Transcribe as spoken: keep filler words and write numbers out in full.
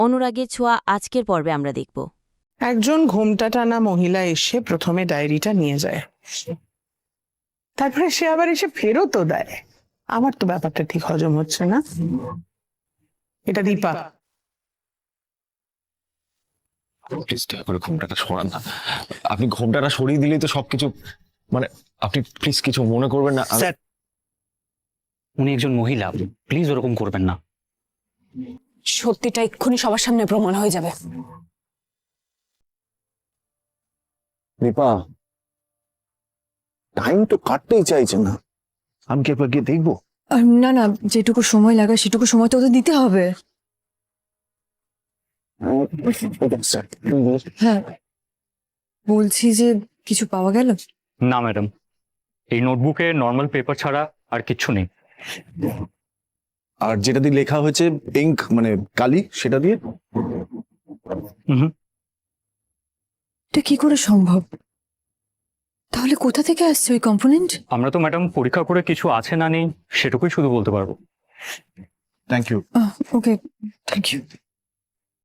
অনুরাগের ছোঁয়া আজকের পর্বে আমরা দেখব। একজন ঘোমটা টানা মহিলা এসে প্রথমে ডায়েরিটা নিয়ে যায়, তারপরে সে আবার এসে ফেরতও দেয়। আমার তো ব্যাপারটা ঠিক হজম হচ্ছে না। এটা দীপা। প্লিজ দয়া করে ঘোমটাটা সরান না। আপনি ঘোমটাটা সরিয়ে দিলেই তো সবকিছু, মানে আপনি প্লিজ কিছু মনে করবেন না। স্যার, উনি একজন মহিলা, প্লিজ ওরকম করবেন না। সত্যিটা এক্ষুনি সবার সামনে প্রমাণ হয়ে যাবে। দীপা, টাইম তো কাটতেই চাইছে না। আমি কি একবার গিয়ে দেখবো? আর না না, যেটুকু সময় লাগে সেটুকু সময় তো ওদের দিতে হবে। হ্যাঁ, বলছি যে কিছু পাওয়া গেল? না ম্যাডাম, এই নোটবুকে নর্মাল পেপার ছাড়া আর কিচ্ছু নেই। আর যেটা দিয়ে লেখা হয়েছে ইঙ্ক মানে কালি, সেটা দিয়ে? হুম। এটা কি করে সম্ভব? তাহলে কোথা থেকে আসছে ওই কম্পোনেন্ট? আমরা তো ম্যাডাম পরীক্ষা করে কিছু আছে না নেই সেটুকুই শুধু বলতে পারবো। Thank you. Okay, thank you.